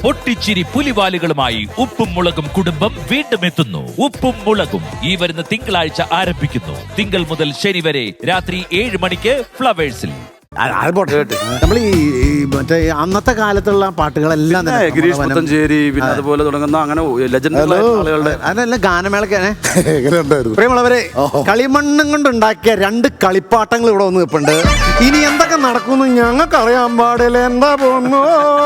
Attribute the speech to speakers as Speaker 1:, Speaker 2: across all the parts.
Speaker 1: പൊട്ടിച്ചിരി പുലിവാലുകളുമായി ഉപ്പും മുളകും കുടുംബം വീണ്ടും എത്തുന്നു. ഉപ്പും മുളകും ഈ വരുന്ന തിങ്കളാഴ്ച ആരംഭിക്കുന്നു. തിങ്കൾ മുതൽ ശനി വരെ രാത്രി 7 മണിക്ക് ഫ്ലവേഴ്സിൽ.
Speaker 2: നമ്മൾ ഈ മറ്റേ അന്നത്തെ കാലത്തുള്ള പാട്ടുകളെല്ലാം
Speaker 3: ഗിരീഷ് പുത്തഞ്ചേരി പിന്നെ അതുപോലെ തുടങ്ങുന്ന അങ്ങനെ ആളുകളുടെ
Speaker 2: അതെല്ലാം ഗാനമേളക്കാണ്. പ്രിയമുള്ളവരെ, കളിമണ്ണും കൊണ്ടുണ്ടാക്കിയ 2 കളിപ്പാട്ടങ്ങൾ ഇവിടെ വന്ന് നിൽപ്പുണ്ട്. ഇനി എന്തൊക്കെ നടക്കുന്നു ഞങ്ങൾക്ക് അറിയാൻ പാടില്ല. എന്താ പോകുന്നു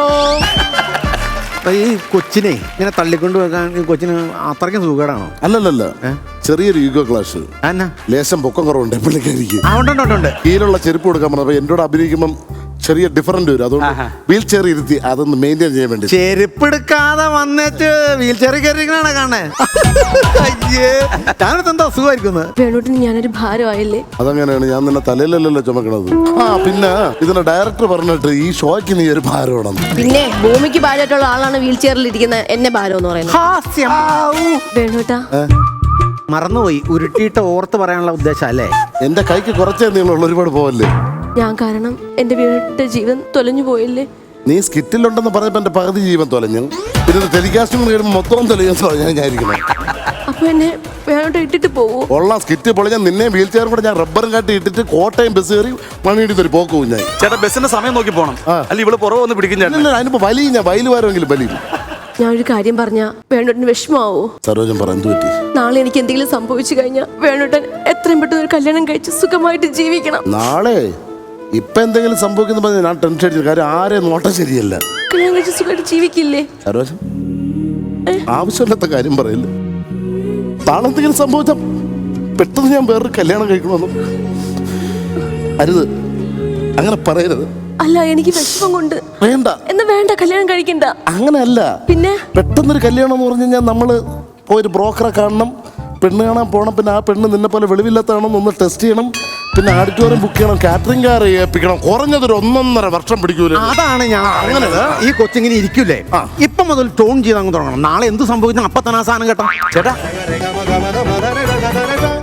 Speaker 2: ഈ കൊച്ചിനെ ഇങ്ങനെ തള്ളിക്കൊണ്ട് വെക്കാൻ ഈ കൊച്ചിന് അത്രയ്ക്കും സുഖമാണോ?
Speaker 4: അല്ലല്ല, ചെറിയൊരു ഈഗോ ക്ലാഷ്. ലേശം പൊക്കം കുറവുണ്ട് പുള്ളിക്കാരിക്ക്.
Speaker 2: അതുകൊണ്ടുണ്ട്
Speaker 4: കീഴിലുള്ള ചെരുപ്പ് കൊടുക്കാൻ പറഞ്ഞപ്പോ എന്നോട് അഭിനയിക്കുമ്പം ചെറിയ ഡിഫറൻറ്റ് വരും. അതുകൊണ്ട് വീൽ ചെയർ ഇരുത്തി അതൊന്ന് മെയിൻറ്റെയിൻ ചെയ്യാൻ വേണ്ടി
Speaker 2: ചെരുപ്പ് എടുക്കാതെ വന്നിട്ട് വീൽ ചെയറിൽ കയറിയിരിക്കണ കാണേ. ഞാനത് എന്താ അസുഖമായിരിക്കുന്നത്?
Speaker 5: വേണോട്ടിന് ഞാനൊരു ഭാരമായില്ലേ?
Speaker 4: അതങ്ങനെയാണ്, ഞാൻ നിന്നെ തലയിലല്ലല്ലോ ചുമക്കണത്. പിന്നെ ഇതിന്റെ ഡയറക്ടർ പറഞ്ഞിട്ട് ഈ ഷോയ്ക്ക് നീ ഒരു ഭാരമാണെന്ന്.
Speaker 5: പിന്നെ ഭൂമിക്ക് ഭാരമായിട്ടുള്ള ആളാണ് വീൽ ചെയറിൽ ഇരിക്കുന്ന എന്നെ ഭാരം എന്ന് പറയുന്നത്. വേണോട്ടാ
Speaker 2: മറന്നുപോയി, ഉരുട്ടിയിട്ട് ഓർത്ത് പറയാനുള്ള ഉദ്ദേശം അല്ലേ?
Speaker 4: എന്റെ കൈക്ക് കുറച്ചേ നീളമുള്ള, ഒരുപാട് പോവല്ലേ.
Speaker 5: ഞാൻ കാരണം എന്റെ വീടിന്റെ ജീവൻ തൊലഞ്ഞു പോയില്ലേ?
Speaker 4: നീ സ്കിറ്റിലുണ്ടെന്ന് പറഞ്ഞപ്പോ എന്റെ പകുതി ജീവൻ തൊലഞ്ഞു. പിന്നെ ടെലികാസ്റ്റിംഗ് കഴിയുമ്പോൾ മൊത്തം തൊലഞ്ഞാൽ ഞാനിരിക്കണം.
Speaker 5: അപ്പൊ എന്നെ വേണോട്ട് ഇട്ടിട്ട് പോവോ?
Speaker 4: ഉള്ള സ്കിറ്റ് പൊളിഞ്ഞാൽ നിന്നെ വീൽ ചെയർ കൂടെ ഞാൻ റബ്ബറും കാട്ടി ഇട്ടിട്ട് കോട്ടയം ബസ് കയറി മണിയിടി ഒരു പോക്കും ഞാൻ.
Speaker 3: ചേട്ടാ ബസ്സിന്റെ സമയം നോക്കി പോണം. അല്ല ഇവിടെ പുറകെ വന്ന് പിടിക്കും.
Speaker 4: അതിനിപ്പോ വലിയ ഞാൻ വയല് വാരെങ്കിലും വലിയ.
Speaker 5: ഞാനൊരു കാര്യം പറഞ്ഞ വേണോട്ടിന് വിഷമാവോ?
Speaker 4: സരോജം പറഞ്ഞു പറ്റി.
Speaker 5: നാളെ എനിക്ക് എന്തെങ്കിലും സംഭവിച്ചു കഴിഞ്ഞാൽ വേണോട്ടൻ എത്രയും പെട്ടെന്ന് ഒരു കല്യാണം കഴിച്ച് സുഖമായിട്ട് ജീവിക്കണം.
Speaker 4: നാളെ ഇപ്പൊ എന്തെങ്കിലും സംഭവിക്കുന്ന പറഞ്ഞാൽ ഞാൻ ടെൻഷൻ അടിച്ചു. കാര്യം ആരെ നോട്ടം ശരിയല്ല.
Speaker 5: കല്യാണം കഴിച്ച് സുഖമായിട്ട് ജീവിക്കില്ലേ?
Speaker 4: സരോജം ആവശ്യമില്ലാത്ത കാര്യം പറയില്ല. താളെന്തെങ്കിലും സംഭവിച്ച പെട്ടെന്ന് ഞാൻ വേറൊരു കല്യാണം കഴിക്കണമെന്നും അരുത്, അങ്ങനെ പറയരുത്.
Speaker 5: അല്ല, എനിക്ക് വിഷമം കൊണ്ട്
Speaker 4: വേണ്ട.
Speaker 5: എന്നാ വേണ്ട, കല്യാണം കഴിക്കണ്ട.
Speaker 4: അങ്ങനെയല്ല,
Speaker 5: പിന്നെ
Speaker 4: പെട്ടെന്നൊരു കല്യാണം എന്ന് പറഞ്ഞു കഴിഞ്ഞാൽ നമ്മള് പോയൊരു ബ്രോക്കറെ കാണണം, പെണ്ണ് കാണാൻ പോകണം. പിന്നെ ആ പെണ്ണ് നിന്നെ പോലെ വെളിവില്ലാത്താണോ ഒന്ന് ടെസ്റ്റ് ചെയ്യണം. പിന്നെ ഓഡിറ്റോറിയം ബുക്ക് ചെയ്യണം, കാറ്ററിംഗ് കാർ ഏൽപ്പിക്കണം. കുറഞ്ഞതൊരു 1.5 വർഷം പിടിക്കൂല.
Speaker 2: അതാണ് ഞാൻ അങ്ങനെ ഈ കൊച്ചിങ്ങനെ ഇരിക്കൂലേ, ഇപ്പൊ മുതൽ ടോൺ ചെയ്ത് അങ്ങ് തുടങ്ങണം. നാളെ എന്ത് സംഭവിച്ചാൽ അപ്പൊ തന്നെ ആ സാധനം കേട്ടോ.
Speaker 3: ചേട്ടാ